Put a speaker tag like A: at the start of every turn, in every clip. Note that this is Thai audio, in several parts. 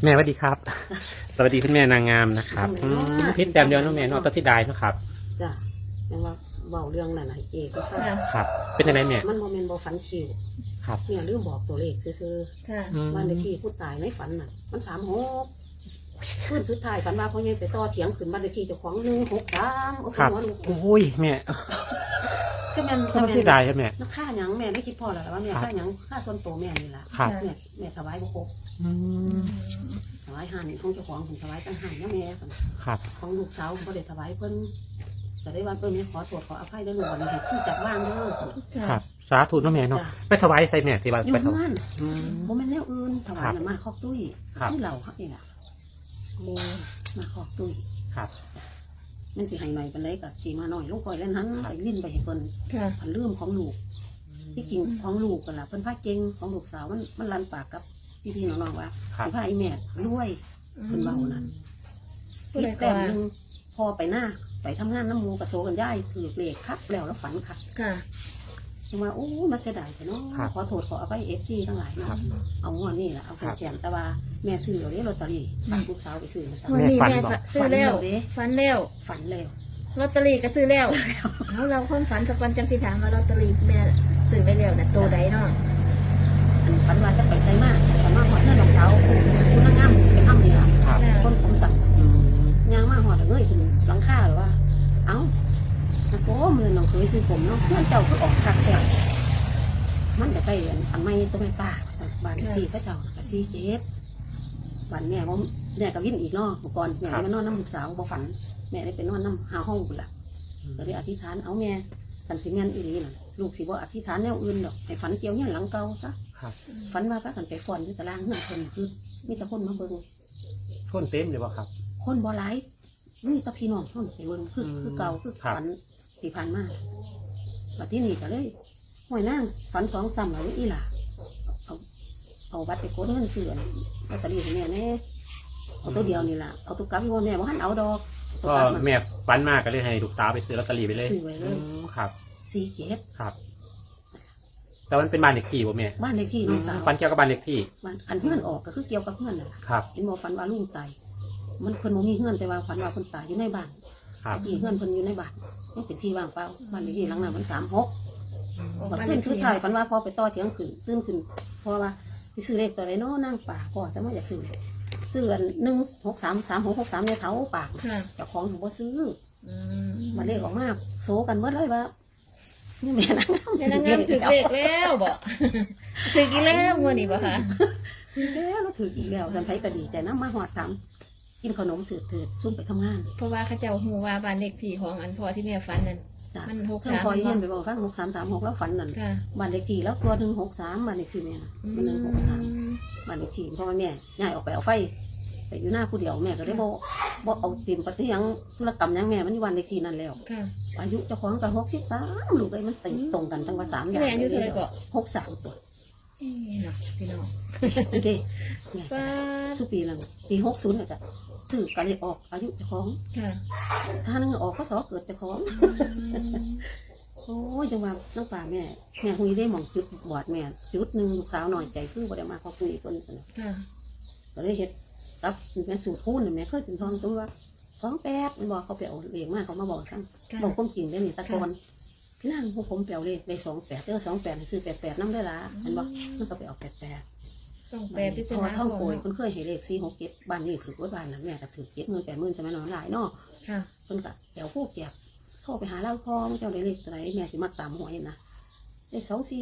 A: แม่สวัสดีครับสวัสดีคุณแม่นางงามนะครับพิษแต้มเดียวน้องแม่นอตสิดายนะครับ
B: จ้ะยังว่าเบาเรื่องนั่นให้เอกก็ค่ะ
A: ครับเป็นยังไงแม่
B: มันโมเมนต์บ่ฝันคิว
A: ครับ
B: เนี่ยลืมบอกตัวเลขซื่อๆบ้านเลขที่ผู้ตายในฝันน่ะมัน36ขึ้นสุดท้ายฝันว่าพ่อใหญ่ไปต่อเถียงขึ้นบ้านเลขที่เจ้าของ163โอ้โหหัวลูก
A: โอ้ยแม่
B: จะแม่น
A: สิดายใช่ไหม
B: นักฆ่าหยังแม่ได้คิดพอแล้วว่าแม่ฆ่าหยังฆ่าส่วนตัวแม่นี่ล่ะแม่ถวายบ่ครบถวายห่านของเจ้าของถวายตั้งห่านนะแม่ของลูกสาวบ่ได้ถวายเพิ่นแต่ได้ว่าแม่ขอตรวจขออภัยด้วยหนูวันนี้ที่จับว่างเด้อ
A: ครับสาธุน้องแม่เนาะไปถวายใส่แม่ที่บ้าน
B: ไปถวายบ่แม่นแนวอื่นถวายน่ะมาคอกตุ้ยที่เหล่าครับนี่ล่ะมาคอกตุ้ย
A: ครับ
B: มันสิให้หน่อยปานใดก็สิมาหน่อยลงก่อยแล้วนั้นไปลิ้นไปให้เพิ่นอันลืมของลูกที่จริงของลูกกันล่ะเพิ่นพาเก่งของลูกสาวมันลันปากกับพี่ๆน้องๆว่าสิพาอีแม่รวยเพิ่นเว้านั่นอีกแต้มนึงพอไปหน้าไปทำงานน้ำมูกระโซกันย่ายถือเลขครับแล้วฝันค่ะมาโอ้มาเสียดายแต่เนาะขอโทษขออภัยFCทั้งหลายเนาะเอางวดนี่แหละเอาแขนแต่ว่าแม่ซื้อเดี๋ยวนี้ลอตเตอรี่ฝากลูกสาวไปซื้อ
C: นะครับวันนี้แม่ซื้อแล้วฝันแล้วลอตเตอรี่ก็ซื้อแล้วเราความฝันสักวันจังสิถามว่าลอตเตอรี่แม่ซื้อไปแล้วนะโตใดเนาะ
B: ฝันว่าจะไปไซมากฝันว่าหอดเนื้อดอกเสาคุณนางงามไปอ้ำนี่ล่ะคนผมสั่งยางมาหอดเงยถึงหลังคาหรือว่าเอ้าโอ้มือน้องเคยซื้อผมเนาะเพื่อนเจ้าคือออกคักแท้มันจะไปอันไม่ตัวไม่ป้าบ้านที่พระเจ้าซีเจสบ้านแม่ผมแม่กับวินอีกเนาะก่อนแม่มานอนน้ำลูกสาวบ่ฝันแม่ได้ไปนอนน้ำหาห้องกูละก็ได้อธิษฐานเอาแม่กันสิเงินอีนี่น่ะลูกสิบ่อธิษฐานแนวอื่นดอกให้ฝันเกี่ยวเนี่ยหลังเก่าซะฝันว่าพระกันไปฟ้อนที่ตารางเงินคนคือมีแต่คนมาเบิ่ง
A: คนเต็มเลยบ่ครับ
B: คนบ่หลายมีแต่พี่น้องคนไปเบิ่งคือเก่าคือฝันที่ผ่านมาบัดที่นี่ก็เลยห้อยนั่งฝัน2 3แล้วอีหล่ะเอาบัตรไปกดเงินซื้อลอตเตอรี่ให้แม่แน่เอาตัวเดียวนี่ล่ะเอาตัวกลับงวดแม่บ่ทันเอาดอก
A: ก็แม่ฝันมากก็เลยให้ลูกสาวไปซื้อลอตเตอรี่ไปเลย
B: ซื้อไว้เลย
A: ครับ
B: 47
A: ครับแต่มันเป็นบ้านเลขที่บ่แม่
B: บ้านเลขที่น้องสาว
A: ฝันเกี่ยวกับบ้านเลขที่
B: อันเพื่อนออกก็คือเกี่ยวกับเพื่อนน่ะ
A: ครับ
B: เห็นบ่ฝันว่าลุงตายมันคนบ่มีเพื่อนแต่ว่าฝันว่าคนตายอยู่ในบ้านที่เพื่อนเพิ่นอยู่ในบ้านนี่เป็นที่ว่างเปล่าบ้านเลขที่หลังนั้นมัน36บัดขึ้นชุดไทยฝันว่าพอไปต่อเถียงขึ้นตื่นขึ้นเพราะว่าไปซื้อเลขตัวไหนเนาะนั่งป่าพ่อจะมาอยากซื้อ1633663ในเท้าปากเจ้าของถึงบ่ซื้อมาเลขออกมาโซกันหมดเลยว่านี่แม่นางง
C: ามถือเลขแล้วบ่ถือกี่แล้วงวดนี้บ่คะ
B: แล้วเราถืออีกแล้วท่านไผก็ดีใจนะมาหอดทำกินขนมถือซุ่มไปทำงาน
C: เพราะว่าเขาเจ้าฮู้ว่าบ้านเลขที่ของอันพ่อที่แม่ฝันนั่นมัน
B: 63พอเย็นไปบอกว่า6336แล้วฝันนั่นบ้านเลขที่แล้วตัว163บ้านเลขที่แม่มัน163บ้านเลขที่เพราะว่าแม่ย้ายออกไปเอาไฟแต่อยู่หน้าผู้เดียวแม่ก็ได้บ่เอาเต็มปฏิยังธุรกรรมยังแม่มันอยู่บ้านเลขที่นั่นแล้วอายุเจ้าของกับ63ลูกไอ้มันตรงกันตั้งว่า3อย่าง
C: แม่อายุเท่าไหร่ก็
B: 63ตัว
C: เนาะพี่น้อง
B: ดูดิสุปีละปี60เนี่ยจ้ะซื้อกันเลยออกอายุเจ้าของถ้านึงออกก็สอเกิดเจ้าของโอ้ยจังว่าน้องป่าแม่หุยได้มองจุดบอดแม่จุดหนึ่งลูกสาวหน่อยใจคือบ่ได้มาขอคุยคนสนุกก็เลยเฮ็ดกับแม่สูตรคูณแม่เคยเป็นทองจังว่า28มันบอกเขาไปเอาเลขมาเขามาบอกกันบอกความจริงได้นี่ตะกอนพี่นางพวกผมเปลวเลขได้28เด้อ28ซื้อ88น้ำได้ละมันบอกมันก็ไปเอา88
C: ต้องแปลพิจารณา
B: ท่องโกยคนเคยเห็นเลข467บ้านนี้ถือว่าบ้านนั้นแม่ก็ถือ70,000 80,000ใช่ไหมน้องหลายเนาะคนก็เดี๋ยวพวกแกโทรไปหาเล่าพ่อมันเจ้าได้เลขอะไรแม่ที่มักตามหวยนะได้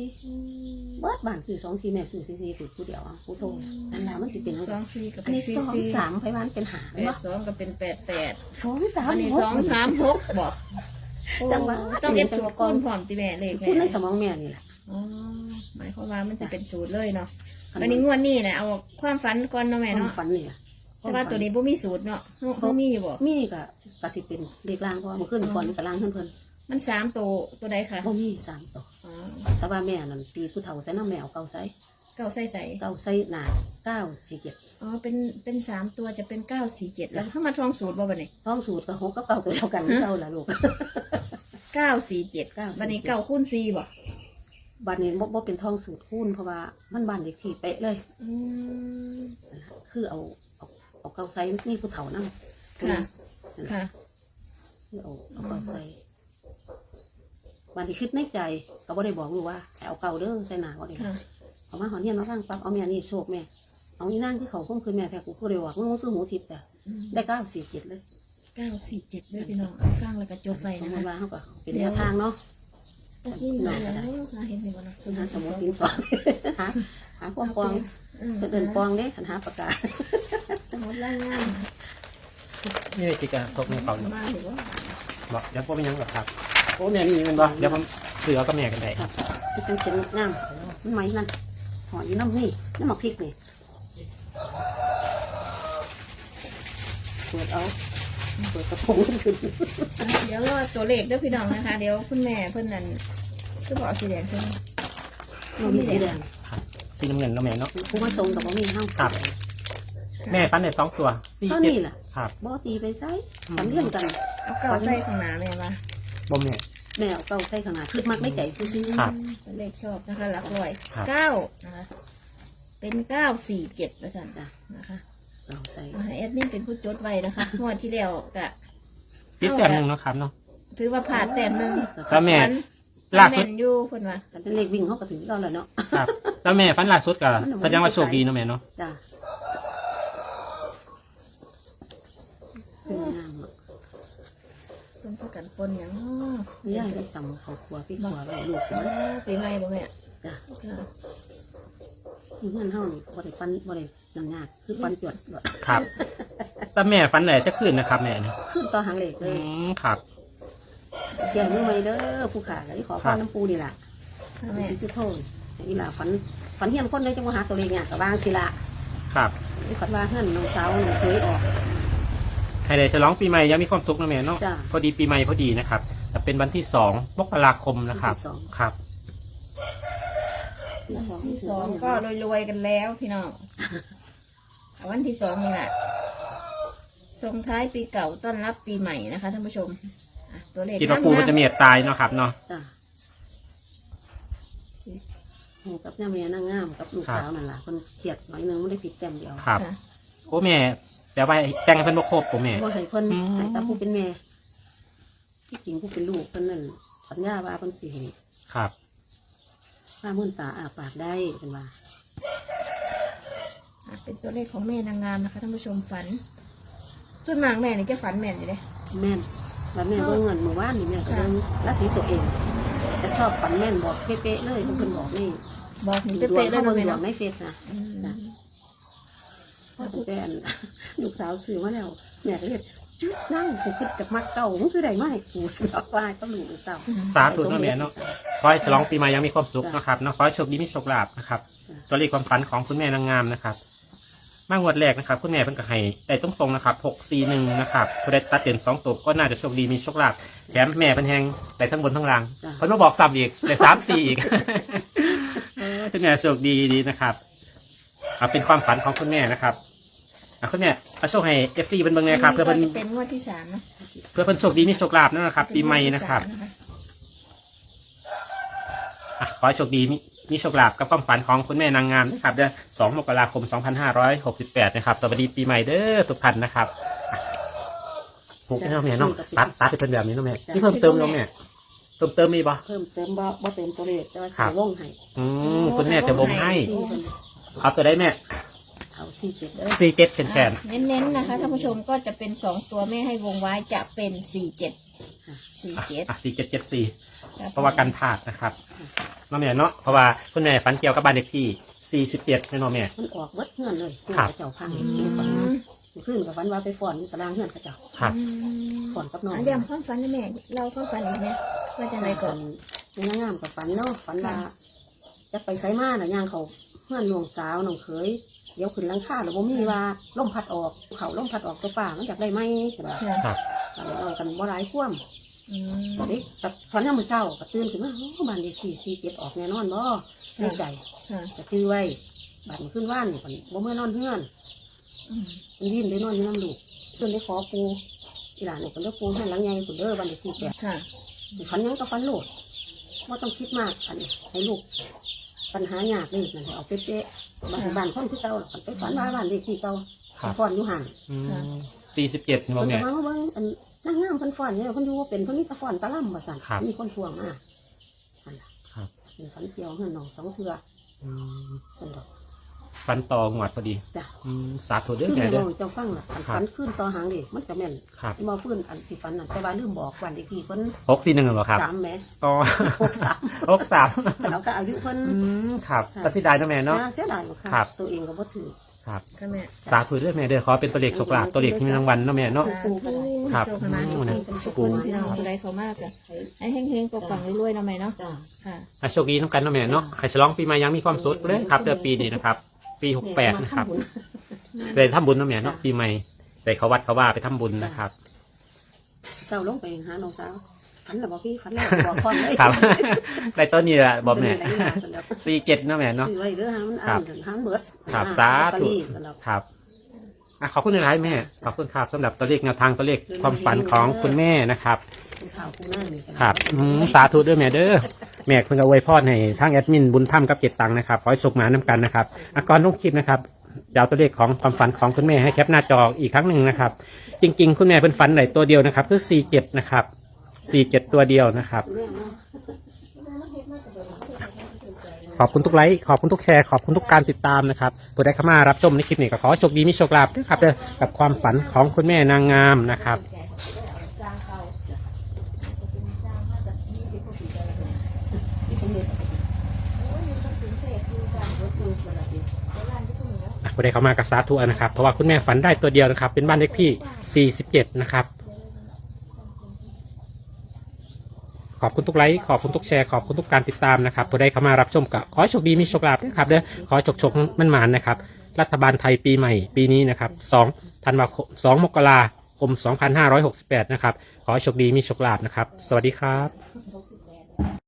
B: 24เบิดบ้านซื้อ24แม่ซื้อ44ถือผู้เดียวผู้โทรนั่นแหละมันจะเป็น
C: 24กับ
B: อันนี้23ไผบ้านเป็น5
C: 82ก็เป็น88
B: 23
C: อันนี้236บอกจังว่าต้องเก็บสูตรก้อนพร้อมติแม่เลข
B: พูดในสมองแม่นี่แหละ
C: หมายความว่ามันจะเป็นสูตรเลยเนาะอันนี้งวดนี้นะเอาความฝันก่อนเนาะแม่เนาะ
B: ฝันนี่
C: แต่ว่าตัวนี้บ่มีสูตรเนาะบ่มีอยู่บ่
B: มีก็สิเป็นเลขล่างเพราะมันขึ้นก่อนกับล่างเพิ่น
C: มัน3ตัวใดค่ะ
B: บ่มี3ตัวแต่ว่าแม่นั่นตีผู้เฒ่าใส่น้ำแมวเก่าใส่
C: เก่าใส่
B: หน้า947
C: อ๋อเป็น3ตัวจะเป็น947แล้วถ้ามาท่องสูตรบ่บัดนี้
B: ท่องสูตรก็6กับ9ตัวเดียวกันเก่าล่ะลูก
C: 947บัดนี้9คูณ4บ่
B: บัดนี้บ่เป็นท่องสูตรคูณเพราะว่ามันบ้านเลขที่เป๊ะเลยคือเอาเก่าใส่นี่ผู้เฒ่านั่ง
C: ค่ะค่ะ
B: เอาเก่าใส่วันที่คิดในใจก็บ่ได้บอกลูกว่าเอาเก่าเด้อใส่หนาก็ได้เอามาหอนเฮียนมาฟังปั๊บเอาแม่นี่โศกแม่เอานี่นั่งที่เขาพุ่งคืนแม่แท้กูพูดเลยว่ามึงคือหูทิพย์จ้ะได้947เลย
C: 947เลยพี่น้องฟังแล้วก็จดไว้
B: นะ
C: นะคะ
B: ว่าเขาก็เป็นแนวทางเนาะ
C: นี่นะเห็นไหมวะเนาะ
B: หาสมุดดินสอหาพวกปองเดินปองเด้หาปากกา
C: สมุดรายงาน
A: นี่เลยจิกะตกในเป่า
C: มาหรือว่า
A: บอกเดี๋ยวพวกไม่ยังหรอกครับโอ้แม่นี่มันบอกเดี๋ยวผมเสือกับแม่กันได้
B: ครับที่เป็นเส้นงามมันไหมนั่นห่ออยู่น้ำนี่น้ำหมักพริกนี่เปิดเอาเปิดกระพงขึ้น
C: เดี๋ยวรอตัวเลขด้วยพี่น้องนะคะ เดี๋ยวคุณแม่เพื่อนนั่นคือบอกสีแดงใช่ไหม
B: มันมีสีแดง
A: สีน้ำเงินแล้วแม่เนาะ
B: ผู้มาทรงกับว่ามีห้าง
A: ครับแม่ฟันได้2 ตัว
B: เท่า
A: 4
B: นี้แหละ
A: 7ครับ
B: บ่ตีไปใส่ฝันเรื่องกัน
C: เอาเก่าใส่ข้างหน้าแม่มา
A: บ่แม่
B: แม่เอาเก้าใส่ขนาดคือมักไม่ใจซื้อ
A: ครับ
C: เป็นเลขชอบนะคะหลักร้อย
A: ครับ
C: 9นะคะเป็น947ประสันนะคะ
B: เราใส่
C: แอดมินเป็นผู้จดไว้นะคะงวดที่แล้วก็
A: ติดแต้มหนึ่งเนาะครับเนาะ
C: ถือว่าผ่านแต้มหนึ่ง
A: แล้วแม่
C: ฝัน
A: ล่าสุด
C: แม่นอยู่คนว่า
B: แต่เป็นเลขวิ่งเขาก็ถึงเราแล้วเนาะ
A: ครับแล้วแม่ฟันล่าสุดก็แสดงว่าโชคดีเนาะแม่เนาะ
B: จ้าซึ่งงาม
C: ส่วนประกันปนอย่างเนาะ
B: นี่ยได้ตำเขาขัวพี่ขัวไว้ลูกมัน
C: ปีใหม่บ่แม่
B: จ้ะ
C: ค่ะ
B: ที่เงื่อนเฮานี่บ่ได้ปันบ่ได้นำยากคือปันจวด
A: ครับแต่แม่ฟันไหนจะขึ้นนะครับแม่เนี่ย
B: ขึ้นต่อหางเหล็กเล
A: อื
B: ย
A: มครับ
B: แก่มือใหม่เด้อผู้ขาก็ที่ขอพรน้ำปูนี่ล่ะ
C: ค่ะ
B: มี
C: แม่
B: สิโทษนี่ล่ะฝันเฮียนคนเลยจังว่าหาตัวเลขเนี่ยก็วางสิละ
A: ครับ
B: ที่ฝันว่าเฮือนน้องสาวนี่เคยออก
A: ให้ได้ฉลองปีใหม่ยังมีความสุขนะแม่เนาะ
B: จ้ะ
A: พอดีปีใหม่พอดีนะครับแต่เป็นวันที่2 มกราคมนะครับ
B: วันที่สอง
A: ครับ
C: ที่สองก็รวยๆกันแล้วพี่น้องวันที่สองนี่แหละส่งท้ายปีเก่าต้อนรับปีใหม่นะคะท่านผู้ชมอ่ะตัวเลข
A: คิดว่าปูมันจะเมียตายเนาะครับเนาะ
B: จ้ะหมู่กับแม่เมียนางงามกับลูกสาวนั่นล่ะคนเครียดหน่อยนึงไม่ได้ผิดแต้มเดียว
A: ครับ
C: ค่ะ
A: โอ้แม่แต่ว่าแต่งให้เพิ่นบ่ครบผมแม่
B: ว่าให้เพิ่น
A: อืม
B: ให้ตาผู้เป็นแม่ที่จริงผู้เป็นลูกเพิ่นนั่นสัญญาว่าเพิ่นสิให้
A: ครับ
B: ว่ามื่นตาอาปากได้เป็นว่า
C: อ่ะเป็นตัวเลขของแม่นางงามนะคะท่านผู้ชมฝัน ส่วนมากแม่นี่จะฝันแม่นอยู่เลย
B: แม่นว่าแม่เบิ่งเงินเมื่อวานนี่แม่ก็เบิ่งราศีตัวเองจะชอบฝันแม่นบอกเป๊ะๆเลยเพิ่นบอกนี่
C: บอกหนู
B: ดวง
C: เป๊ะๆเลย
B: เขา
C: นะ
B: เบิ่ง
C: แม่
B: ดวง
C: เนาะ
B: ในเฟซนะ
C: อืม
B: จ้ะ พอแต่อัน ลูกสาวซื้อมาแล้วแม่ก็เลยจุดนั่งกูคิดกับมักเก่ามันคือได้มาให้กูสาวว่าก็ลูกสาว
A: สาธุเนาะแม่เนาะขอให้ฉลองปีใหม่ยังมีความสุขนะครับเนาะขอให้โชคดีมีโชคลาภนะครับตัวเลขความฝันของคุณแม่นางงามนะครับมางวดแรกนะครับคุณแม่เพิ่นก็ให้ได้ตรงๆนะครับ641นะครับผู้ใดตัดเด่น2ตัวก็น่าจะโชคดีมีโชคลาภแถมแม่เพิ่นแฮงได้ทั้งบนทั้งล่างเพิ่นมาบอกซ้ำอีกได้3-4อีก คุณแม่โชคดีดีนะครับเอาเป็นความฝันของคุณแม่นะครับคุณแม่เอาโชคให้ FC เบิ่งๆนะครับเพื่อเพิ่น
C: จะเป็นงวดที่สามนะ
A: เพื่อเพิ่นโชคดีมีโชคลาภนะครับ ปีใหม่นะครับขอให้โชคดีมีโชคลาภกับความฝันของคุณแม่นางงามนะครับเดือน2 มกราคม 2568 นะครับ สวัสดีปีใหม่เด้อทุกท่านนะครับผูกให้น้องแม่น้องตัดให้เป็นแบบนี้น้องแม่นี่เพิ่มเติมน้องแม่เติมมีบ่
B: เพิ่มเติมบ่เติมตัวเลขแต่ว่า
A: ครั
B: ใส่
A: บ
B: วงให้
A: คุณแม่จะบ่มให้เอาตัวได้แม่
B: เอา47เด้อ
A: ซีเก็ตแทน
C: เน้นๆนะคะท่านผู้ชมก็จะเป็น2ตัวแม่ให้วงไว้จะเป็น47
A: 4774เพราะว่ากันพลาดนะครับน้องแม่เนาะเพราะว่าคุณแม่ฝันเกี่ยวกับบ้านเลขที่47ไม่น้องแม่
B: มันออกเบิดเฮือนเลยเฮือน
A: ครับ
B: กระเจ้าพังมีฝันขึ้นกับฝันว่าไปฟ้อนตารางเฮือนกระเจ้า
A: ครับ
B: ฟ้อนกับน้อง
C: ย้ำความฝันนะแม่เราความฝันอีกไหมว่าจะไหนก่อน
B: ในนางงามกับฝันเนาะฝันว่าจะไปไสมาน่ะย่างเขาเฮือนน้องสาวน้องเขยเดี๋ยวขึ้นหลังคาแล้วบ่มีว่าลมพัดออกเขาลมพัดออกตัวป่ามันอยากได้ไหมใช่ป่ะ
A: ครับ
B: เรากันบ่หลายคว่ำ
C: อืม
B: ตอนนี้กับตอนนี้มือเช้าก็ตื่นขึ้นมาโอ้บ้านเลขที่47ออกแน่นอนบ่ในใจ
C: ค่ะ
B: ก็จื้อไว้บัดมันขึ้นว่านก่อนบ่เมื่อนอนเฮือน
C: อืม
B: มันวิ่งได้นอนอยู่น้ำลูกเพิ่นได้ขอปูอีหลานนี่เพิ่นได้ปูให้หลังใหญ่พุ่นเด้อบ้านเลขที่8
C: ค่ะ
B: ฝันหยังก็ฝันโลดบ่ต้องคิดมากอันนี้ให้ลูกปัญหายากนี่นั่นให้เอาเป๊ะๆบ้านคนคือเก่าล่ะไปฝันว่าบ้านเลขที่เก่า
A: คครับ
B: ฟ้อนอยู่ห่าง
A: 47บ่
B: เพิ่น
A: แม่
B: ก็มาเบิ่งอันนางงามเพิ่นฟ้อนเนี่ยเพิ่นอยู่ว่าเป็นเพิ่นมีแต่ฟ้อนตะล่ำว่าซั่น
A: ครับ
B: มีคนทวงมาอันน่ะ
A: ครับ
B: เป็นฝันเกี่ยวเฮือนน้องสองเทื่อ
A: อืม
B: ซั่นดอก
A: ฟันต่องวดพอดี
B: จ้ะ
A: สาธุเด้อ
B: คือ
A: แม่
B: แม่
A: เด้อ
B: บอกเจ้าฟังล่ะอัน
A: ครับ
B: ฝันขึ้นต่อหางดิมันก็แม่น
A: ครับ
B: ที่มาฟื้นอันที่ฝันน่ะแต่ว่าลืมบอกวันอีกทีเพิ่น
A: 641เหรอครับ
B: 3แหม
A: อ๋อ
B: 63 แต่เราก็อายุเพิ่น
A: ครับก็สิได้เนาะแม่เนาะ
B: น่าเสียดายบ่ค่ะ
A: ครับ
B: ตัวเองก็บ่ถือ
A: ครับ
C: ค่ะแม่
A: สาธุเด้อแม่เด้อขอเป็นตัวเลขโชคลาภตัวเลขที่มีรางวัลเนาะแม่เนาะ
C: สาธุ
A: ครับ
C: โชคมา
A: อืม
C: ทุกคนพี่น้องอะไรเขามากจ้ะให้เฮงๆปังๆรวยๆเนาะแม่เนาะ
B: จ้า
C: ค่ะ
A: ให้โชคดีน้ำกันเนาะแม่เนาะให้ฉลองปีใหม่อยังมีความสุขเลยครับเดือนปีนี้นะครับ ปี68นะครับได้ทำบุญเนาะแม่เนาะปีใหม่ได้เขาวัดเขาว่าไปทำบุญนะครับ
B: เศร้าลงไปหาน้องสาวฝันแล้วบ่พี่ฝันแล้วบอกพร้อมเลย
A: ครับ ได้ต้นนี้แหละบอกแม่
B: เป็นอะไรมาสำหรับ
A: 47เนาะแม่เนาะ
B: ซื้อไว้เด้อหามัน
A: ครั
B: อ่า
A: บ
B: นถึงหางเบิด
A: ครับ
B: ห
A: สา
B: ลอตเตอ
A: ธุ
B: รี่สำหรับ
A: ครับขอบคุณหลายๆแม่ขอบคุณครับสำหรับตัวเลขแนวทางตัวเลขความฝันของคุณแม่นะครับ
B: ผู้ข่าวผู้นั่งนี่กัน
A: ครับสาธุด้วยแม่เด้อแม่เพิ่งเอาไว้พอดให้ทางแอดมินบุญถ้ำกับเจ็ดตังค์นะครับขอให้สุขหมานำกันนะครับก่อนลงคลิปนะครับเดี๋ยวตัวเลขของความฝันของคุณแม่ให้แคปหน้าจออีกครั้งหนึ่งนะครับ จริงๆ คุณแม่เป็นฝันไหนตัวเดียวนะครับคือ47นะครับ47ตัวเดียวนะครับ ขอบคุณทุกไลค์ขอบคุณทุกแชร์ขอบคุณทุกการติดตามนะครับผู้ใดเข้ามารับชมในคลิปนี้ก็ขอให้โชคดีมีโชคลาภด้วยครับเด้อกับความฝันของคุณแม่นางงามนะครับ ผู้ใดเข้ามากระสาธุนะครับเพราะว่าคุณแม่ฝันได้ตัวเดียวนะครับเป็นบ้านเลขที่47นะครับขอบคุณทุกไลค์ขอบคุณทุกแชร์ขอบคุณทุกการติดตามนะครับผู้ใดเข้ามารับชมก็ขอให้โชคดีมีโชคลาภด้วยครับเด้อขอให้โชคมั่นหมานนะครับรัฐบาลไทยปีใหม่ปีนี้นะครับ2 ธันวาคม2 มกราคม 2568นะครับขอให้โชคดีมีโชคลาภนะครับสวัสดีครับ